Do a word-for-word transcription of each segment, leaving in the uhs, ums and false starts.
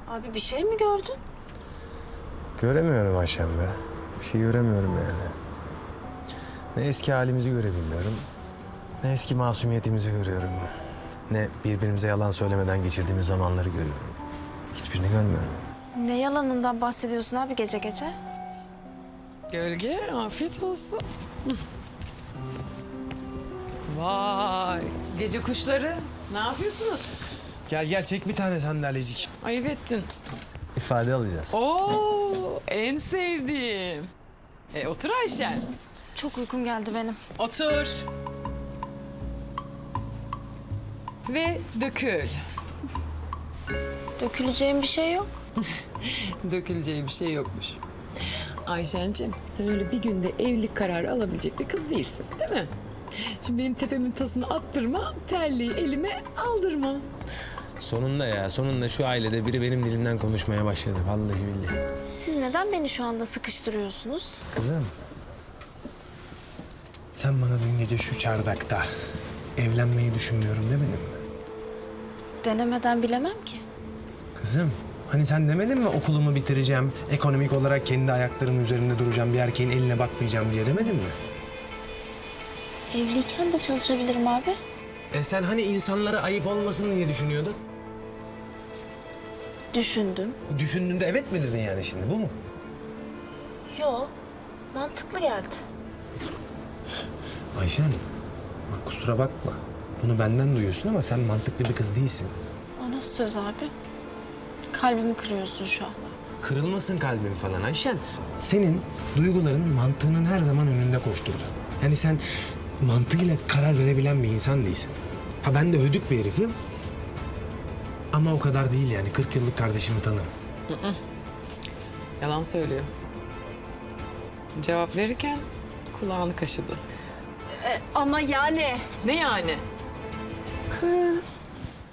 Abi bir şey mi gördün? Göremiyorum Ayşem be. Bir şey göremiyorum yani. Ne eski halimizi görebiliyorum, ne eski masumiyetimizi görüyorum. Ne birbirimize yalan söylemeden geçirdiğimiz zamanları görüyorum. Hiçbirini görmüyorum. Ne yalanından bahsediyorsun abi gece gece? Gölge, afiyet olsun. Vay, gece kuşları. Ne yapıyorsunuz? Gel gel çek bir tane sandalyecik. Ayıp ettin. İfade alacağız. Oo, en sevdiğim. E, otur Ayşen. Çok uykum geldi benim. Otur. Ve dökül. Döküleceğim bir şey yok. Döküleceği bir şey yokmuş. Ayşen'cim, sen öyle bir günde evlilik kararı alabilecek bir kız değilsin, değil mi? Şimdi benim tepemin tasını attırma, terliği elime aldırma. Sonunda ya, sonunda şu ailede biri benim dilimden konuşmaya başladı. Vallahi billahi. Siz neden beni şu anda sıkıştırıyorsunuz? Kızım. Sen bana dün gece şu çardakta evlenmeyi düşünmüyorum demedin mi? Denemeden bilemem ki. Kızım, hani sen demedin mi okulumu bitireceğim, ekonomik olarak kendi ayaklarımın üzerinde duracağım, bir erkeğin eline bakmayacağım diye demedin mi? Evliyken de çalışabilirim abi. E sen hani insanlara ayıp olmasın diye düşünüyordun? Düşündüm. Düşündüğünde evet mi dedin yani şimdi, bu mu? Yo, mantıklı geldi. Ayşen, bak kusura bakma. Bunu benden duyuyorsun ama sen mantıklı bir kız değilsin. O nasıl söz abi? Kalbimi kırıyorsun şu anda. Kırılmasın kalbin falan Ayşen. Senin duyguların mantığının her zaman önünde koşturdu. Yani sen mantığıyla karar verebilen bir insan değilsin. Ha ben de hödük bir herifim. Ama o kadar değil yani. kırk yıllık kardeşimi tanırım. Yalan söylüyor. Cevap verirken kulağını kaşıdı. E, ama yani... Ne yani? Kız.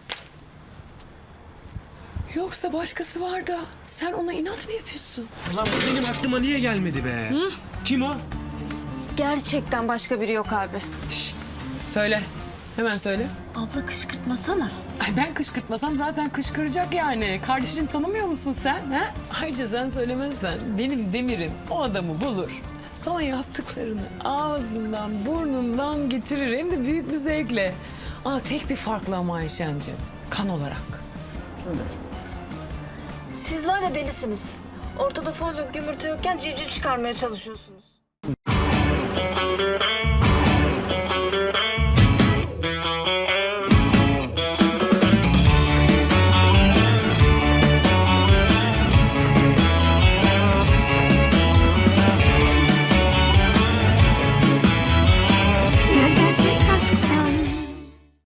Yoksa başkası var da sen ona inat mı yapıyorsun? Ulan bu benim aklıma niye gelmedi be? Hı? Kim o? Gerçekten başka biri yok abi. Şş, söyle. Hemen söyle. Abla kışkırtmasana. Ay ben kışkırtmasam zaten kışkıracak yani. Kardeşini tanımıyor musun sen? Ha? Ayrıca sen söylemezsen benim Demir'im o adamı bulur. Sana yaptıklarını ağzından, burnundan getirir. Hem de büyük bir zevkle. Aa, tek bir farklı ama Ayşen'cim. Kan olarak. Siz var ya delisiniz. Ortada folyo gümürtü yokken civciv çıkarmaya çalışıyorsunuz.